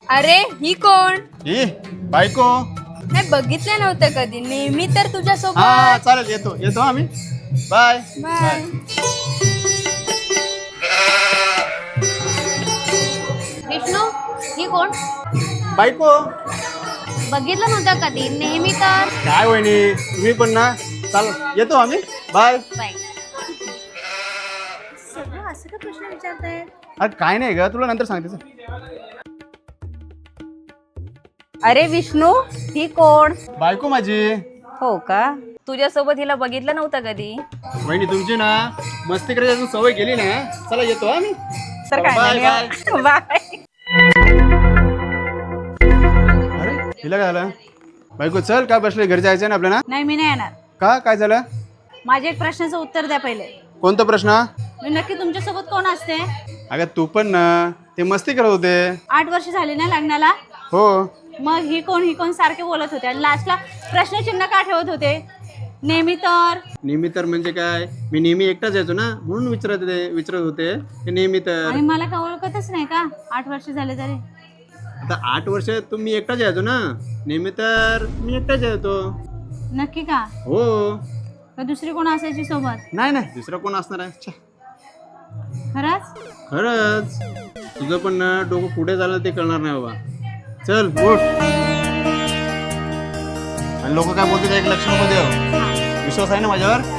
अरे ही कोण? ही बायको. नाही बघितलं नव्हतं कधी. नेहमी तर तुझ्या हा सोबत. चालेल, येतो येतो आम्ही. Bye bye. विष्णू ही कोण? बायको. बघितलं नव्हतं कधी. नेहमी तर. काय वहिनी तुम्ही पण ना. चाल येतो आम्ही. बाय. बाय. सगळं असं का प्रश्न विचारताय? अरे काय नाही ग, तुला नंतर सांगते चल. अरे विष्णू ही कोण? बायको माझी. हो का? तुझ्यासोबत हिला बघितलं नव्हतं कधी. वहिनी तुमची ना मस्ती करायची अजून सवय गेली ना. चला येतो आम्ही. तर बाय, काय नाही. बाय. अरे हिला काय झालं? बायको चल, काय बसले, घरी जायचं ना आपल्याला. नाही मी नाही येणार. का काय झालं? माझ्या एक प्रश्नाचं उत्तर द्या पहिले. कोणता प्रश्न? मी नक्की तुमच्यासोबत कोण असते? अगं तू पण ना ते मस्ती करत होते. 8 वर्ष झाली ना लग्नाला. हो. मग ही कोण सारखे बोलत होते आणि लास्टला प्रश्नचिन्ह का ठेवत होते? नेहमी तर. नेहमी तर म्हणजे काय, मी नेहमी एकटाच यायचो ना म्हणून विचारत होते ते नेहमी तर. आणि मला का ओळखतच नाही का 8 वर्ष झाले तरी? आता 8 वर्ष तुम्ही एकटाच यायचो ना. नेहमी तर मी एकटाच यायचो. नक्की का? हो. का दुसरी कोण असायची सोबत? नाही नाही, दुसरं कोण असणार आहे. छे. खरंच? खरंच. तुझं पण ना डोकं पुढे झालं ते कळणार नाही बाबा. चल उठ. आणि लोक काय बोलतात एक लक्ष नको देऊ. विश्वास आहे ना माझ्यावर?